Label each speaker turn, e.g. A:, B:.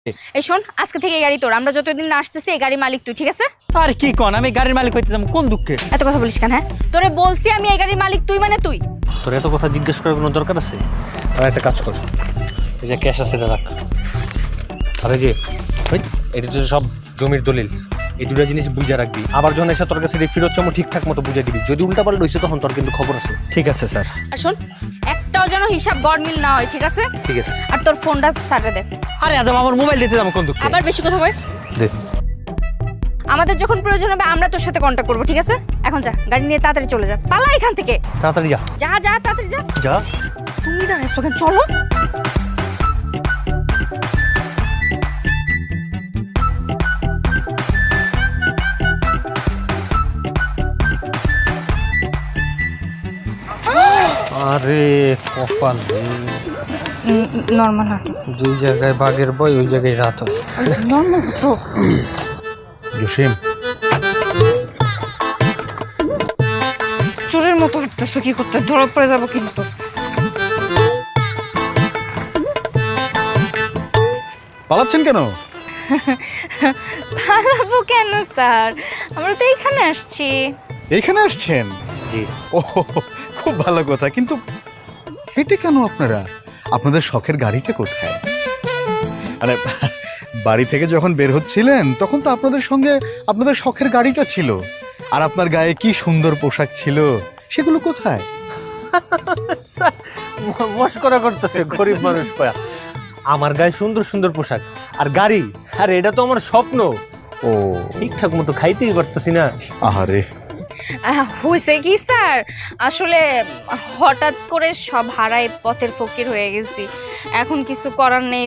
A: এই শোন, আজকে থেকে এই গাড়ি তোর। আমরা যতদিন না আসতেছি এই গাড়ির মালিক তুই, ঠিক আছে?
B: আর কি কোন, আমি গাড়ির মালিক হইতেছিলাম কোন দুঃখে?
A: এত কথা বলিস কেন? হ্যাঁ, তোরে বলছি আমি এই গাড়ির মালিক, তুই মানে তুই।
C: তোর এত কথা জিজ্ঞেস করার কোনো দরকার আছে? আর একটা কাজ কর, এই যে ক্যাশ আছে এটা রাখ। আর এই যে এটা তো সব জমির দলিল, এই দুটা জিনিস বুঝে রাখবি। আবার যখন এসে তোর কাছে ফেরত চামো ঠিকঠাক মতো বুঝে দিবি। যদি উল্টা পাল্টা হয়েছে তখন তোর কিন্তু খবর আছে।
B: ঠিক আছে স্যার।
A: আর শোন, একটাও যেন হিসাব গড়মিল না হয়, ঠিক আছে?
C: ঠিক আছে।
A: আর তোর ফোনটা স্যারে দে।
B: আরে আজম আমার মোবাইল দিতে যাবো কোন দুঃখে?
A: আবার বেশি কথা বল।
C: দে।
A: আমাদের যখন প্রয়োজন হবে আমরা তোর সাথে কন্ট্যাক্ট করবো, ঠিক আছে? এখন যা, গাড়ি নিয়ে তাড়াতাড়ি চলে যা, পালা এখান থেকে।
C: তাড়াতাড়ি যা।
A: যা যা, তাড়াতাড়ি যা।
C: যা।
A: তুমি দাঁড়াইছো কেন? চলো।
C: আরে কপাল,
A: নর্মাল হাঁটো।
C: যেই জায়গায় বাঘের বই ওই জায়গায় রাত হয়।
A: নর্মাল হাঁটো।
C: জসিম,
A: চোরের মতো হাঁটতেছো কি করতে? ধরা পড়ে যাবো কিন্তু।
D: পালাচ্ছেন কেন?
A: পালাবো কেন স্যার? আমরা তো এইখানে আসছি।
D: এইখানে আসছেন?
C: জি।
D: ও, খুব ভালো কথা, কিন্তু হেঁটে কেন আপনারা? আপনাদের শখের গাড়িটা কোথায়? মানে বাড়ি থেকে যখন বের হচ্ছিলেন তখন তো আপনাদের সঙ্গে আপনাদের শখের গাড়িটা ছিল, আর আপনার গায়ে কি সুন্দর পোশাক ছিল, সেগুলো কোথায়?
C: মস্করা করতেছে গরিব মানুষ পায়া। আমার গায়ে সুন্দর সুন্দর পোশাক আর গাড়ি, আর এটা তো আমার স্বপ্ন।
D: ও
C: ঠিকঠাক মতো খাইতেই পারতেছি না।
D: আহারে,
A: হয়েছে কি স্যার, আসলে হঠাৎ করে সব হারায় পথের ফকির হয়ে গেছি। এখন কিছু করার নেই।